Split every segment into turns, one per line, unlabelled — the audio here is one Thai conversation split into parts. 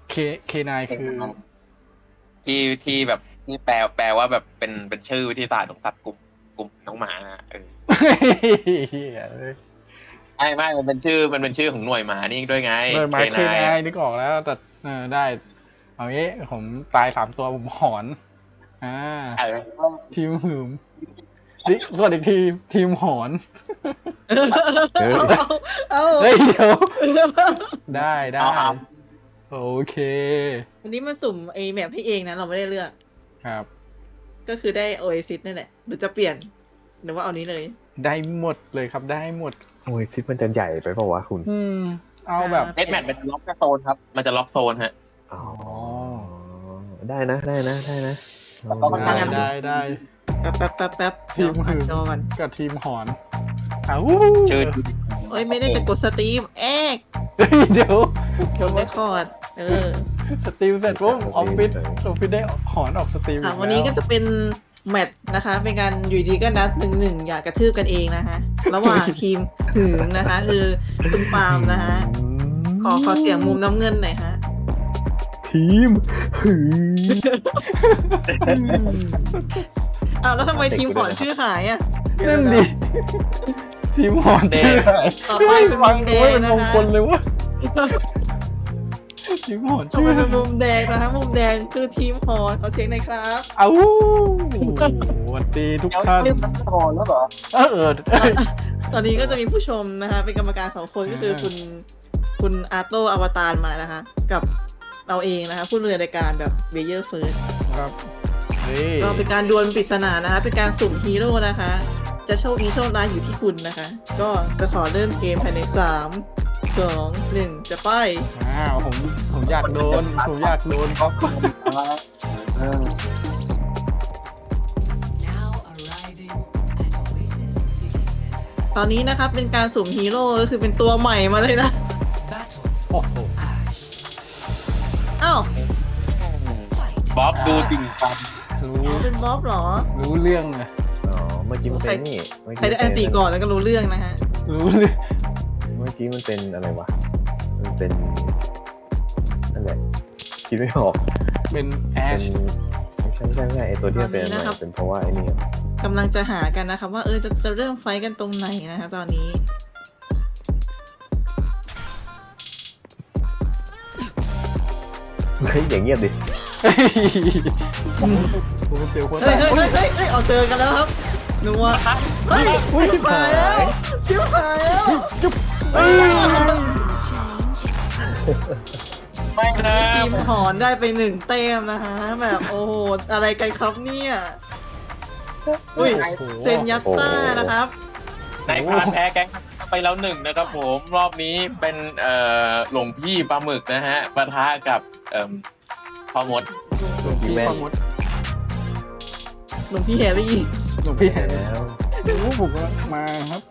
เคเคนายคือ
ที่แบบที่แปลว่าแบบเป็นชื่อวิทยาศาสตร์ของสัตว์กลุ่มน้องหมาเออ
เหี้ยเลย
ไม่มันเป็นชื่อของหน่วยหมานี่ด้วยไง
โดยห
เคนาย
มายเคนายนึกออกแล้วแต่ได้เอางี้ผมตาย3 ตัวผมหอนอ่า
เออ
ทีมหืมส่วนอีกทีมหอน
เฮ้ย
เอา
เฮ้ยเดี๋ยวได้
เอา
โอเค
วันนี้มาสุ่มไอแมปให้เองนะเราไม่ได้เลือก
ครับ
ก็คือได้ Oasis นั่นแหละหรือจะเปลี่ยนหรือว่าเอานี้เลย
ได้หมดเลยครับได้หมด
โอ้ยซิปมันจะใหญ่ไปเปล่าวะคุณ
เอาแบบ
เดดแมทมันจะล็อกโซนครับมันจะล็อกโซนฮะ
อ๋อได้นะได้นะได้นะ
ได้
แป๊บ
ที
เดี๋ยว
ม
อ่า
หื
น
ม
จอก่อน
กับทีมหอนอ้าว
ชื่อ
โอ้ยไม่ได้จะกดสตรีมแอก
เฮ้ยเดี๋ยว
กดได้คอร์ด
สตรีมเสร็จปุ๊บออฟฟิศได้หอนออกสตรีม
ค่ะวันนี้ก็จะเป็นแมตช์นะคะ เป็นการอยู่ดีก็นัด1-1อยากกระทืบกันเองนะคะ ระหว่างทีมหืมนะคะ คือคุณปาล์มนะคะขอเสียงมุมน้ำเงินหน่อยฮะ
ทีมหืม
อ้าวแล้วทำไมทีมหอนชื่อหายอ่ะ
นั่นดิทีมหอนชื่ออะไร
ต่อไปเป็น
ฟัง
มุมแด
ดู
ง
เป็น
นะ
มง
คะ
คลเลยวะทีมหอน
ต่อ
ชื่อ
ไป
อะไร
เป็นมุมแดงนะคะ มุมแดงคือทีมหอนขอเสียงหน่อยครับ
เอ้าสวัสดีทุกท่าน
เรียกมันโซนแล้วเหรอ
ตอนนี้ก็จะมีผู้ชมนะคะ เป็นกรรมการ2 คนก็คือคุณอาโตอวตารมานะคะ กับเราเองนะคะ ผู้ดำเนินรายการแบบเบเยอร์เฟิร์ส
ครับนี่
ก็เป็นการดวลปริศนานะคะ เป็นการสุ่มฮีโร่นะคะ จะโชคดีโชคร้ายอยู่ที่คุณนะคะ ก็จะขอเริ่มเกมภายใน3-2-1 จะไป
ผมอยากโดนครับ
Now arriving at Oasis City Center.
ตอนนี้นะครับเป็นการสุ่มฮีโร่ก็คือเป็นตัวใหม่มาเลยนะ
Battle
โอ้โห
Ash.
อ้าว
บ๊อบดูจริงจัง
รู้
เป็นบ๊อบเหรอ
รู้เรื่องเลย
อ๋อเมื่อกี้มันเป็นนี่เมื่อ
ใคร
กี้
ได้แอนตีก่อนแล้วก็รู้เรื่องนะฮะ
รู้เรื่อง
เมื่อกี้มันเป็นอะไรวะมันเป็นนั่นแหละคิดไม่ออก
เป็นแอ
เป็
ช
นไม่ใช่ไอตัวที่มันเป็นอะไรเป็นเพราะว่าไอ้นี่
กำลังจะหากันนะคะว่าจะเริ่มไฟท์กันตรงไหนนะคะตอนนี้
เฮ้ยอย่างเงียบดิ
ผมเสียวคน
เฮ้ยเอาเจอกันแล้วครับนัวเฮ้ยชิบหายแล้วชิบหายแล้ว
ไม่นะ
ทีมหอนได้ไป1 แต้มนะคะแบบโอ้โหอะไรกันครับเนี่ยอุ้ยเซนยัตต้านะครับ
นายพรานแพ้แก๊งไปแล้ว1นะครับผมรอบนี้เป็นหลวงพี่ปลาหมึกนะฮะปะทะกับพ่อมด
หลวงพี่พ่อมด
หลวงพี่แฮร์รี่
หลวงพี่แห
แล้ว
รู้ผมก็มาครับ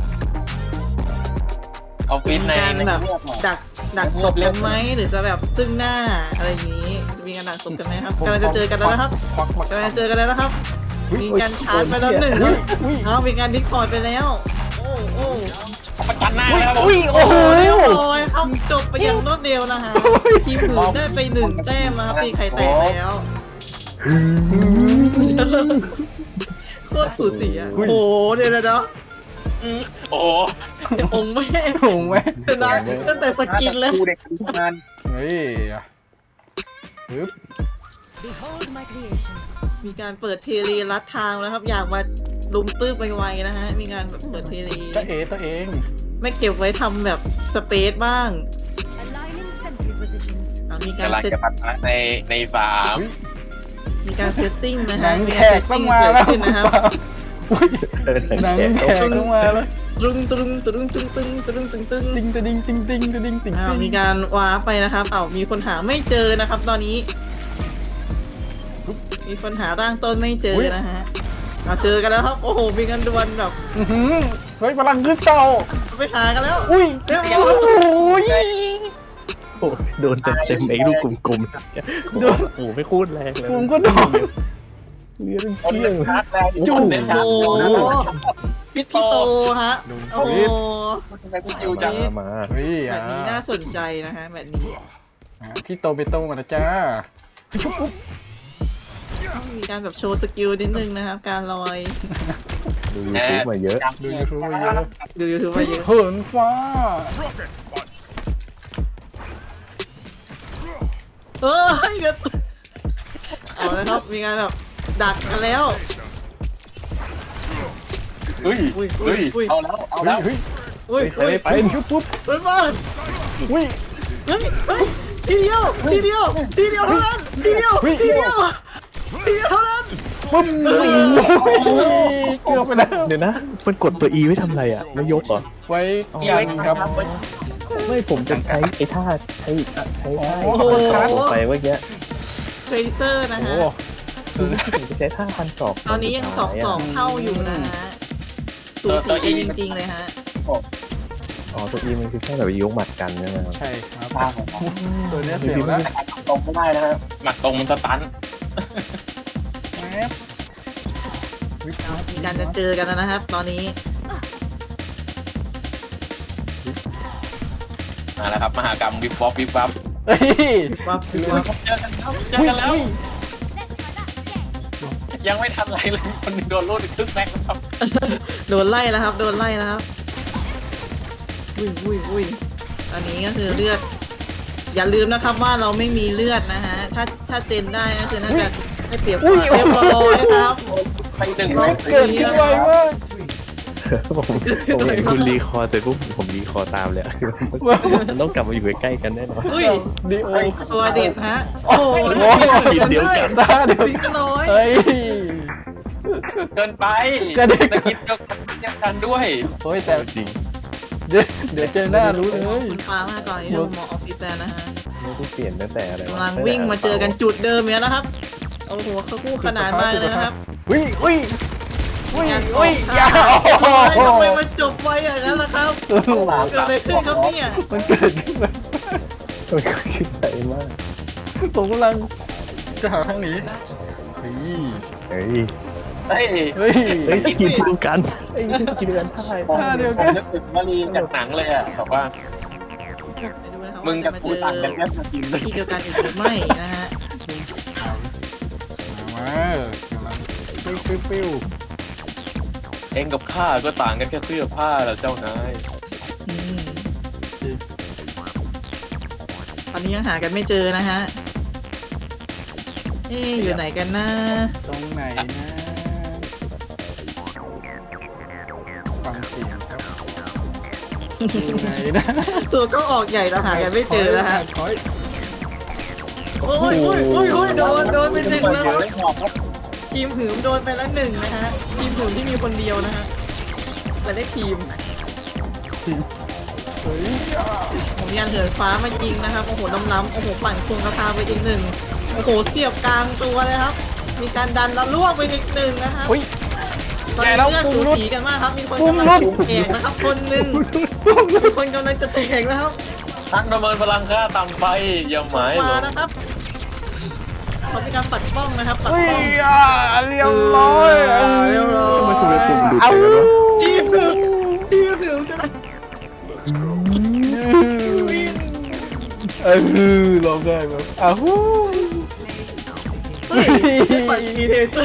ออฟฟิศใน
การแบบ
เรื่องอะ
ดักศพกันไหมหรือจะแบบซึ่งหน้าอะไรอย่างนี้จะมีการดักศพกันไหมครับกำลังจะเจอกันแล้วนะครับ
ควักมาก
ำลังจะเจอกันแล้วนะครับ มีการชาร์จไปแล้ว1เอามีการดิสคอร์ดไปแล้ว โอ้
ประจันหน้าแล้ว
อุ้ยโอ้โห
โอ้ยครับจบไปอย่างรวดเร็วนะคะทีมหืนได้ไป1 แต้มนะครับตีไข่แตกแล้วโคตรสูสีอ่ะโอ้โหเดี๋ยว
โอ้โห
องค์แม่
ผมไหม
เป็นไรตั้งแต่สกินแล้ว
ดูเด็กทุกงาน
เฮ้ยปึ๊บ
Behold my creation.
มีการเปิดเทเลลัดทางแล้วครับ อยากมาลุมตื้อไปไวๆนะฮะ มีการเปิดเทเล
ตัวเอง
ไม่เก็บไว้ทำแบบสเปซบ้าง
Aligning sentry positions.
มีการ
กำลัง
เซต
จะปะทะในสาม
มีการเซตติ้งนะ
หนั
ฮะ
ง
มี
แข
การเซ
ก
ต
ต้อ
ติ้
ง
ง
มา
เกิด
แล้ว
ขึ้นนะครับ
หนังแขกต้องมาแล้ว
ตรุงตรุงตรุงตึงตึงตรุงตึงตึง
ติงตะดิงติงติงตะดิงติง
มีการว้าร์ปไปนะครับมีคนหาไม่เจอนะครับ ตอนนี้ มีคนหาร่างต้นไม่เจอนะฮะเจอกันแล้วครับ โอ้โห มีกันดวลแบบ
เฮ้ยพลังขึ้นเต่า
ไปหากันแล้ว
อุ้ยโอ้ย
โอ้ยโดนเต็มไอ้ลูกกลมๆโดนโอ้ไม่พูดแรงเลย
ผมก็โดน
เลี้ยง
คน
เที่ยง
ชาร์จแรง
จุ๊
จุ๊
บ
เน้นชา
โอ้
ร์จ
โห
พี่
พี่โตฮะ
ดู
โอ้โห
ทำไมพี่จิวจัง
มา
เฮ้ย
แบบนี้น่าสนใจนะฮะแบบนี้
พี่โตเบโตมาแล้วจ้าชุบปุ๊บ
ต้องมีการแบบโชว์สกิลนิดนึงนะครับ การลอย
ดูยูทูบมาเยอะ
ดูยูทูบมาเยอะ
ดูยูทูบมาเยอะ
เหินฟ้า
เฮ้ยเดี๋ยวเอาแล้วครับมีการแบบดักกันแล้ว
เฮ้ย
อุ้ย
เฮ้ย
อุ้ย
เอาแล้วเอาแล้ว
เฮ้ย
อุ้ย
เฮ้ยไปชุบปุ๊บ
เฮ้ยมา
อุ้ย
เฮ้ยเฮ้ยทีเดียวทีเดียวทีเดียวเท่านั้นทีเดียวทีเดียวทีเดียวเท่านั้น
ปุ๊บเกือบไปแล้ว
เดี๋ยวนะ มันกดตัว E ไว้ทำอะไรอ่ะไม่ยกเหรอ
ไว้กันครับ
ไม่ผมจะใช้ไอ้ท่าใช้ท่า
โอ้โห
ขาลงไปเมื่อกี้
เทรเซอร์นะ
โอ้
ฮะ
คือผมจะใช้ท่าพันศอก
ตอนนี้ยัง2-2เท่าอยู่นะฮะสูสีกันจริงๆเลยฮะ
อ๋อตัว E มันคือแค่แบบยกหมัดกันใช่ไหมครับ
ใช่ครับตัวเนี้ยเสียวแล้ว
ตรงไม่ได้นะครับหมัดตรงมันสตัน
แอบ
มีการจะเจอกันแล้วนะครับ ตอนนี้
มาแล้วครับมหากรรมวิบวับวิบวับ
เฮ้ย
ว่า
เจอกันแล้วเจอกันแล้ว ยังไม่ทันไรเลยคนหนึงโดนรูดอีกครึ่งแม็กซ์ครับ
โดนไล่แล้วครับ โดนไล่แล้วครับอุ้ยตอนนี้ก็คือเลือด อย่าลืมนะครับว่าเราไม่มีเลือดนะฮะ ถ้าเจนได้ก็คือน่าจะได้เปรียบกว่าเรียบร้อยครับ
ไปหนึ่ง
น้อ
แม็
ง
กซ์
เกิดขึ้นไวมาก
ผมเห็นคุณรีคอร์เสร็จปุ๊บผมรีคอร์ตามเลยอะมันต้องกลับมาอยู่ใกล้ๆกันแน่นอน
อุ้ย
ดีโอ
ตัวเด็ดฮะ โอ้โห
ทีมเดียวกัน
ตาเดียว
สิงห์น้อย
เฮ้ย
เกินไป
กระเด็น
ตะกิดเดียวกันด้วย
โอ้ยแต่
จริง
เดี๋ยวเจอหน้ารู้เลย
คุณฟ้ามากก่อนที่เราหมอออฟฟิศแล้วนะฮะ
ไม่ได้เปลี่ยนตั้งแต่อะไร
กำลังวิ่งมาเจอกันจุดเดิมเนี่ยนะครับ โอ้โหเขาคู่ขนาดมากเลยนะครับ
วิ่งวิ่งวิ่ง
งาน
วิ่ง
อย่า
อย่า
ทำไมมันจบไวอย่างนั้นล่ะครับเกิดอะไรขึ้นครับเนี่ย
มันเกิดขึ้นมา
มันก็คิดใจมาก
ผมกำลังจะหาทางหนีเฮ้ย
เฮ้ย
เฮ้ย
เฮ้ย
เฮ้ยกินเดียวกันไอ้ยกินเดียวกันท่า
ท่าเดียว
ผ
กั
ม
น
นึกถึงวลีจากหนังเลยอ่ะบอกว่า มึงกับกูต่างกันแค่สกินเลย
ที่เดียวกันอีกหรือไม่นะฮะ
มากำลังปิ้ว
เองกับข้าก็ต่างกันแค่เสื้อผ้าแหละเจ้านาย
อืมตอนนี้ยังหากันไม่เจอนะฮะ เอ๊ะอยู่ไหนกันนะ
ตรงไหนนะฟังเสียงครับอยู่ไหนนะ
ตัวก็ออกใหญ่แต่หากันไม่เจอนะฮะ
ถอย
โอ้ยโดนไปหนึ่งแล้วครับ
เดี๋ยวครับ
ทีมหืมโดนไปแล้วหนึ่งนะฮะ ทีมหืมที่มีคนเดียวนะฮะ แต่ได้ทีม
เฮ้ย
ผมยันเหินฟ้ามายิงนะครับ โอ้โหล้ำๆโอ้โหปั่นควงกระทาไปอีกหนึ่งโอ้โหเสียบกลางตัวเลยครับ มีการดันแล้วล่วงไปอีกหนึ่งนะครับ
อุ้ย
ตอน
แก
นี้
แล้ว
เลือด
ปุ่
สู
มรุด
สีกันมากครับ มีคน
ปุ่ม
กำลัง
รุด
จะแตกนะครับ คนหนึ่งมีคนกำลังจะแตกแล้วครับ
นักประเมินพลังค่าต่ำไปอย่าหมายหล
มาง นะครับเขามีการปัดป้องนะครับ ปัด
อุ้ย
ป้อง
เรียบร้อย
เรียบร้อย
มันคือปุ่มดูด
เอา
ไปแล้วเนาะ
ทีมหืมทีมหืมชนะ
ร้องได้แบบอ้าว
เฮ้ยปัดมีเทเซอร์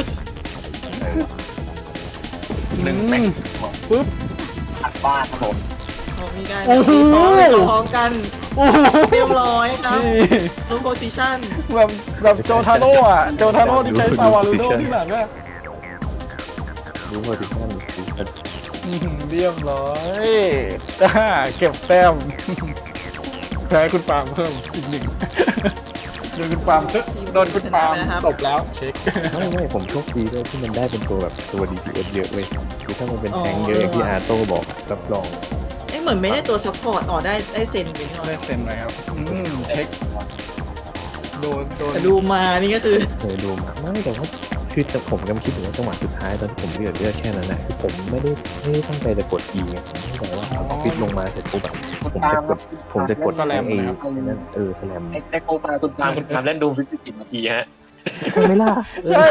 หนึ่งแม็กซ์
ปึ๊บ
อัดบ้านครับผม
เขามีการ
โอ้โห
พร้อมกัน
โอ้โห
เรียบร้อยครับ
นี่
ลงโพซิชั่น
แบบโจทาโร่อะโจทาโร่ที่ใช้ซาวาลูโดที่หลังอะ
รู้ว่าดิฉันคือ
เรียบร้อยเก็บแต้มแพ้คุณปาล์มเพิ่มอีกหนึ่งโดนคุณปาล์มโดนคุณปาล์มตบแล้วเช็ค
ไม่ผมโชคดีด้วยที่มันได้เป็นตัวแบบตัว DPS เยอะเว้ยคือถ้ามันเป็นแทงค์เยอะอย่างที่อาโต้บอกรับรอง
เอ้ยเหมือนไม่ได้ตัวซัพพอร์ตได้เซนอยู่นี่หน่อ
ได้
ย
เซ็นเลยครับเช็คโดน
แต่ดูมานี่ก็คือ
เคยดูมาไม่แต่ว่าคือแต่ผมกำลังคิดถึงว่าจังหวะสุดท้ายตอนที่ผมเลือดแค่นั้นนะคือผมไม่ได้ตั้งใจจะกด E ไงผมตั้งใจว่าออฟฟิศลงมาเสร็จปุ๊บแบบผมจะกดแอนั่นสแลม
ไอ้โคปาคุณตามเล่นดูฟิสิกส์นาทีฮะ
ใช่ไหมล่ะ
ใช่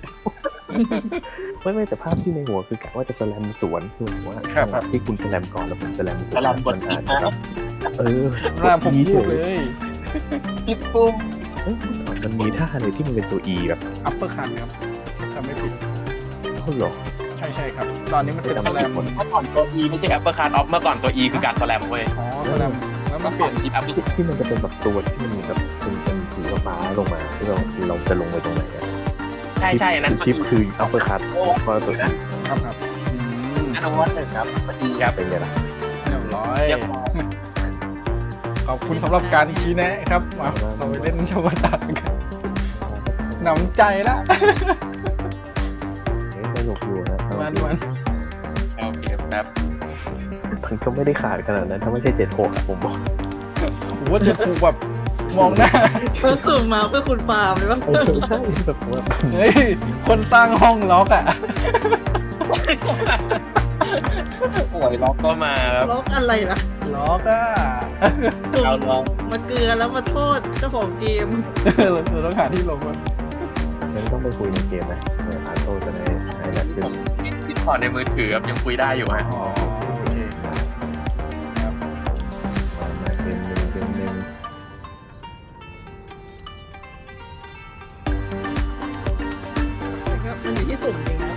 ไม่แต่ภาพที่ในหัวคือกะว่าจะสแลมสวนคือว่าที่คุณสแลมก่อนแล้วผมสแลมสวนมันอาจจะแบบ
หน้าผมพูดเลย
ผิดปุ่ม
เอ้ยมันมีท่าอะไรที่มันเป็นตัว E แบบ
อัปเปอร์คันครับจำไม่ผิด
เท่าหรอ
ใช่ครับ ตอนนี้มันเป็นสแลม
เมื่อก่อนตัว E ไม่ใช่แอปเปิลคาร์ออฟเมื่อก่อนตัว E คือการสแลมเว้ย
อ๋อสแลมแล้วมันเปลี่ยน
ที่แอปเปิล
ที่มันจะเป็นแบบตัวที่มันแบบเป็นสีฟ้าลงมาที่เราจะลงไปตรงไหนอะ
ใช่อันนั้น
ชิปคืออัปเปอร์คัตพอตัว E
ครับ
อันนั้นวันหนึ่งครับพอดีครับ
เป็นไงล่ะ
เรียบร้อย
เรียบร้อย
ขอบคุณสำหรับการชี้แนะครับมาเราไปเล่นธรรมดากันหนำใจละ
เฮ้ยสนุกอยู่นะ
มัน
โอเคครับ
มันก็ไม่ได้ขาดขนาดนั้นถ้าไม่ใช่76อะผมบอก
ผมว่าจะถูกแบบมองหน้า
เราสุ่มมาเพื่อคุณปาล์มเลยว่า
ใช่แบบว่า
เฮ้ย คนสร้างห้องล็อกอ่ะ
ป่วยล็อกก็มาครับ
ล็อกอะไรล่ะ
ล็อกอ่ะ
สุ่
เอา
ม
ลอง
มาเกลือแล้วมาโทษเจ้าของเกม
เราต้องหาที่ลงมัน
งั้นต้องไปคุยในเกมนะอาโต้จะได้หายหนักขึ้น
ติดต่อในมือถือครับยังคุยได้อยู่ฮะ
อ๋อโอเคครับ
มาเกมหนึ่ง
มันอยู่ที่สุ่มจริงนะ